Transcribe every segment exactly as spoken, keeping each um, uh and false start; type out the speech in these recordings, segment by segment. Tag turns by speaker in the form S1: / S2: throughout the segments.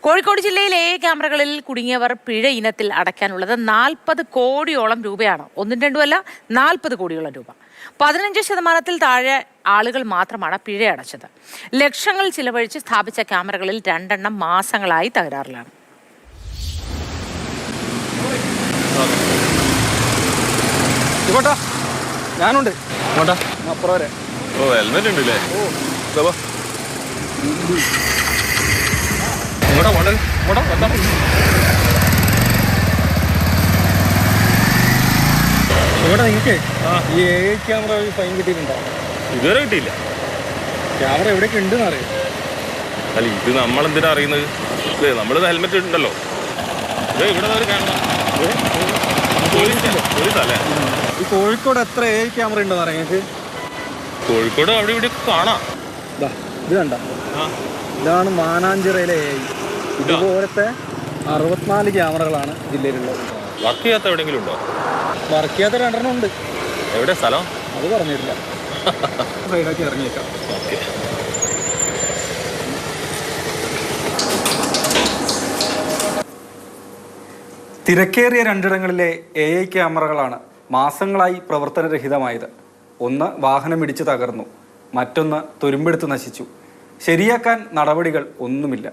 S1: കോഴിക്കോട് ജില്ലയിലെ ക്യാമറകളിൽ കുടുങ്ങിയവർ പിഴ ഇനത്തിൽ അടയ്ക്കാനുള്ളത് നാൽപ്പത് കോടിയോളം രൂപയാണ്. ഒന്നും രണ്ടുമല്ല, നാൽപ്പത് കോടിയോളം രൂപ. പതിനഞ്ച് ശതമാനത്തിൽ താഴെ ആളുകൾ മാത്രമാണ് പിഴ അടച്ചത്. ലക്ഷങ്ങൾ ചിലവഴിച്ച് സ്ഥാപിച്ച ക്യാമറകളിൽ രണ്ടെണ്ണം മാസങ്ങളായി തകരാറിലാണ്.
S2: ഞാനുണ്ട്
S3: ഓ ഹെൽമെറ്റ് ഉണ്ടല്ലേ?
S2: ഇവിടെ നിങ്ങൾക്ക് ഈ എ ഐ ക്യാമറ വഴി ഫൈൻ കിട്ടിയിട്ടുണ്ടോ?
S3: ഇതുവരെ കിട്ടിയില്ല.
S2: ക്യാമറ എവിടെയൊക്കെ ഉണ്ടെന്ന് അറിയാം.
S3: അല്ല, ഇത് നമ്മളെന്തിനാ അറിയുന്നത്? നമ്മൾ ഹെൽമെറ്റ് ഉണ്ടല്ലോ. ഇവിടെ പോലീസല്ലേ?
S2: ഈ കോഴിക്കോട് എത്ര എ ഐ ക്യാമറ ഉണ്ടെന്ന് അറിയാം നിങ്ങൾക്ക്?
S3: കോഴിക്കോട് അവിടെ ഇവിടെ കാണാം.
S2: ഇത് കണ്ട, ഇതാണ് മാനാഞ്ചിറയിലെ എ ഐ. ഇതുപോലത്തെ അറുപത്തിനാല് ക്യാമറകളാണ് ജില്ലയിലുള്ളത്.
S3: വർക്ക് ചെയ്യാത്ത എവിടെയെങ്കിലും ഉണ്ടോ?
S2: വർക്ക് ചെയ്യാത്ത രണ്ടെണ്ണം ഉണ്ട്.
S3: എവിടെ സ്ഥലം?
S2: അത് പറഞ്ഞിട്ടില്ല. സൈഡാക്കി ഇറങ്ങിയേക്കാം.
S3: ഓക്കെ.
S4: തിരക്കേറിയ രണ്ടിടങ്ങളിലെ എ ഐ ക്യാമറകളാണ് മാസങ്ങളായി പ്രവർത്തനരഹിതമായത്. ഒന്ന് വാഹനമിടിച്ച് തകർന്നു, മറ്റൊന്ന് തുരുമ്പെടുത്ത് നശിച്ചു. ശരിയാക്കാൻ നടപടികൾ ഒന്നുമില്ല.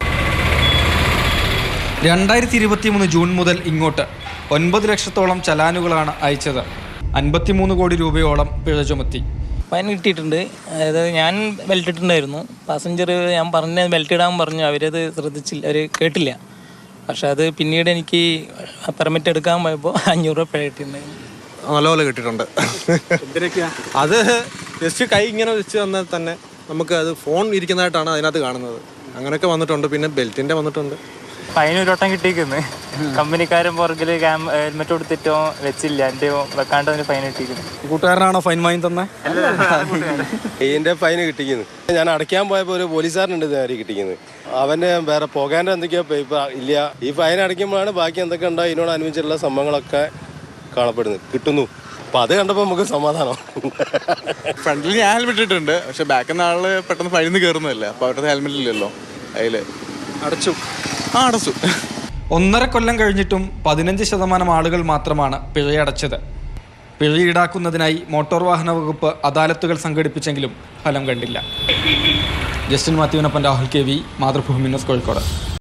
S4: രണ്ടായിരത്തി ഇരുപത്തി മൂന്ന് ജൂൺ മുതൽ ഇങ്ങോട്ട് ഒൻപത് ലക്ഷത്തോളം ചലാനുകളാണ് അയച്ചത്. അൻപത്തിമൂന്ന് കോടി രൂപയോളം പിഴ ചുമത്തി.
S5: ഫൈൻ കിട്ടിയിട്ടുണ്ട്. അതായത് ഞാൻ ബെൽറ്റ് ഇട്ടിട്ടുണ്ടായിരുന്നു. പാസഞ്ചർ ഞാൻ പറഞ്ഞ ബെൽറ്റ് ഇടാൻ പറഞ്ഞു, അവരത് ശ്രദ്ധിച്ചില്ല, അവർ കേട്ടില്ല. പക്ഷെ അത് പിന്നീട് എനിക്ക് പെർമിറ്റ് എടുക്കാൻ പോയപ്പോൾ അഞ്ഞൂറ് രൂപ പിഴ കിട്ടിയിട്ടുണ്ടായിരുന്നു.
S6: നല്ലപോലെ കിട്ടിയിട്ടുണ്ട്. അത് ജസ്റ്റ് കൈ ഇങ്ങനെ വെച്ച് തന്നാൽ തന്നെ നമുക്ക് അത് ഫോൺ ഇരിക്കുന്നതായിട്ടാണ് അതിനകത്ത് കാണുന്നത്. അങ്ങനെയൊക്കെ വന്നിട്ടുണ്ട്. പിന്നെ ബെൽറ്റിൻ്റെ വന്നിട്ടുണ്ട്.
S7: ഫൈൻ ഒരു വട്ടം കിട്ടിയിരിക്കുന്നു. കമ്പനിക്കാരൻ പുറകിൽ ഹെൽമെറ്റ് കൊടുത്തിട്ടോ വെച്ചില്ല, എൻ്റെ വെക്കാണ്ട് അതിന് ഫൈൻ കിട്ടിയിരിക്കുന്നു.
S2: കൂട്ടുകാരനാണോ ഫൈൻ വാങ്ങി തന്നെ?
S8: ഇതിൻ്റെ ഫൈൻ കിട്ടിക്കുന്നു. ഞാൻ അടയ്ക്കാൻ പോയപ്പോൾ ഒരു പോലീസുകാരനുണ്ട് നേരെ കിട്ടിക്കുന്നത്. അവൻ്റെ വേറെ പോകാൻ്റെ എന്തൊക്കെയോ പേപ്പർ ഇല്ല. ഈ ഫൈൻ അടയ്ക്കുമ്പോഴാണ് ബാക്കി എന്തൊക്കെ ഉണ്ടോ ഇതിനോടനുബന്ധിച്ചുള്ള സംഭവങ്ങളൊക്കെ കാണപ്പെടുന്നത് കിട്ടുന്നു. അപ്പം അത് കണ്ടപ്പോൾ നമുക്ക് സമാധാനം.
S6: ഫ്രണ്ടിൽ ഞാൻ ഹെൽമെറ്റ് ഇട്ടിട്ടുണ്ട്, പക്ഷെ ബാക്കിൽ നിന്ന് ആള് പെട്ടെന്ന് ഫൈനിൽ കയറുന്നതല്ലേ, അപ്പോൾ അവരുടെ ഹെൽമെറ്റ് ഇല്ലല്ലോ. അതിൽ അടച്ചു. ആ അടച്ചു.
S4: ഒന്നര കൊല്ലം കഴിഞ്ഞിട്ടും പതിനഞ്ച് ശതമാനം ആളുകൾ മാത്രമാണ് പിഴയടച്ചത്. പിഴ ഈടാക്കുന്നതിനായി മോട്ടോർ വാഹന വകുപ്പ് അദാലത്തുകൾ സംഘടിപ്പിച്ചെങ്കിലും ഫലം കണ്ടില്ല. ജസ്റ്റിൻ മാത്യുവിനൊപ്പം Rahul K V, Mathrubhumi news, Kozhikode.